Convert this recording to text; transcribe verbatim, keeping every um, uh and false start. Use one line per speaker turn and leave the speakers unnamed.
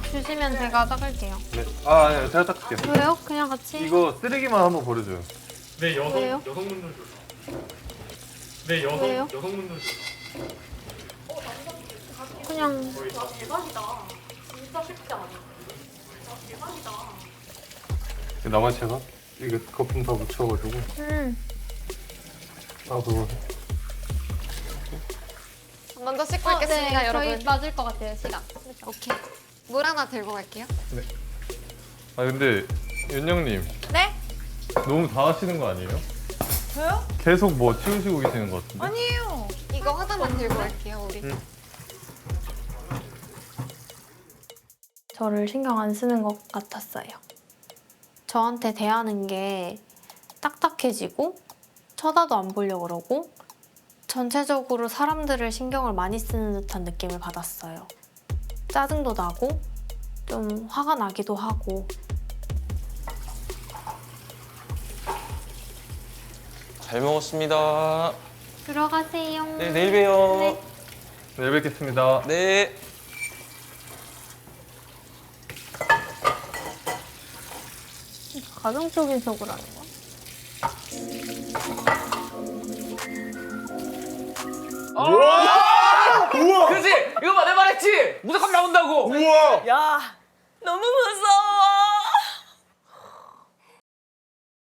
주시면 제가 닦을게요.
네. 아, 네, 제가 닦을게요.
왜요? 그냥 같이.
이거 쓰레기만 한번 버려줘요.
네, 여성,
왜요?
여성분들 줄. 네, 여성,
왜요?
여성분들 줄.
그냥.
와 대박이다. 진짜 쉽지 않아. 와 대박이다.
나머지 제가 이거 거품 다 묻혀가지고.
음.
아, 그거.
먼저 씻고
어,
있겠습니다,
네,
여러분.
저희 맞을 것 같아요, 시간.
오케이. 물 하나 들고 갈게요.
아, 근데 윤영님
네?
너무 다 하시는 거 아니에요?
저요?
계속 뭐 치우시고 계시는 것 같은데?
아니에요.
이거 하나만 들고 갈게요, 우리.
응.
저를 신경 안 쓰는 것 같았어요. 저한테 대하는 게 딱딱해지고 쳐다도 안 보려고 그러고 전체적으로 사람들을 신경을 많이 쓰는 듯한 느낌을 받았어요. 짜증도 나고 좀 화가 나기도 하고.
잘 먹었습니다.
들어가세요.
네, 내일 봬요.
네.
네, 뵙겠습니다.
네.
가정적인 척을 하는 거야?
그렇지! 이거 봐, 내 말했지! 무조건 나온다고!
야, 너무 무서워.